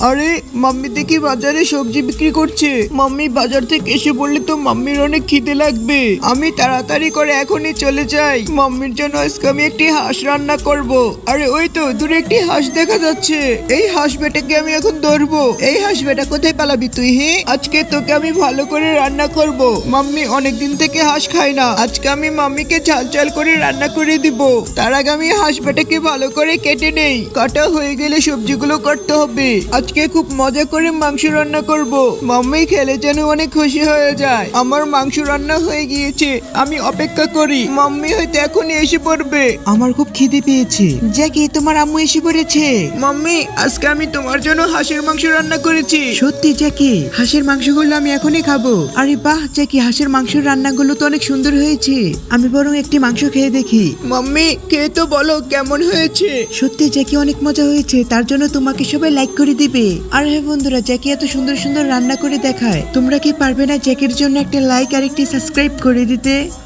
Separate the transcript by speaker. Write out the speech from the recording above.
Speaker 1: আরে মাম্মি দেখি বাজারে সবজি বিক্রি করছে। মাম্মি বাজার থেকে এসে বললে তো মাম্মির অনেক খিদে লাগবে। আমি তাড়াতাড়ি করে এখনই চলে যাই। মাম্মির জন্য আজকে আমি একটি হাঁস রান্না করব। আরে ওই তো দূরে একটি হাঁস দেখা যাচ্ছে। এই হাঁস বেটাকে আমি এখন ধরবো। এই হাঁস বেটা কোথায় পালাবি তুই? হ্যাঁ, আজকে তোকে আমি ভালো করে রান্না করব। মাম্মি অনেকদিন থেকে হাঁস খায় না। আজকে আমি মাম্মিকে ঝাল ঝাল করে রান্না করে দিব। তার আগে আমি হাঁস বেটাকে ভালো করে কেটে নেই। কাটা হয়ে গেলে সবজিগুলো কাটতে হবে। আজকে খুব মজা করে মাংস রান্না করব। মাম্মি খেলে যেন অনেক খুশি হয়ে যায়। আমার মাংস রান্না হয়ে গিয়েছে, আমি অপেক্ষা করি। মাম্মি হয়তো এখনই এসে পড়বে। আমার খুব খিদে পেয়েছে। জ্যাকি, তোমার আম্মু এসে পড়েছে। মাম্মি, আজকে আমি তোমার জন্য হাঁসের মাংস রান্না করেছি। সত্যি জ্যাকি? হাঁসের মাংসগুলো আমি এখনই খাবো। আরে বাহ জ্যাকি, হাঁসের মাংসের রান্নাগুলো তো অনেক সুন্দর হয়েছে। আমি বরং একটি মাংস খেয়ে দেখি। মাম্মি, খেয়ে তো বলো কেমন হয়েছে। সত্যি জ্যাকি অনেক মজা হয়েছে, তার জন্য তোমাকে সবাই লাইক করে দিবে। আর হ্যাঁ বন্ধুরা, জ্যাকি এত সুন্দর সুন্দর রান্না করে দেখায়। তোমরা কি পারবে না জ্যাকির জন্য একটা লাইক আর একটি সাবস্ক্রাইব করে দিতে?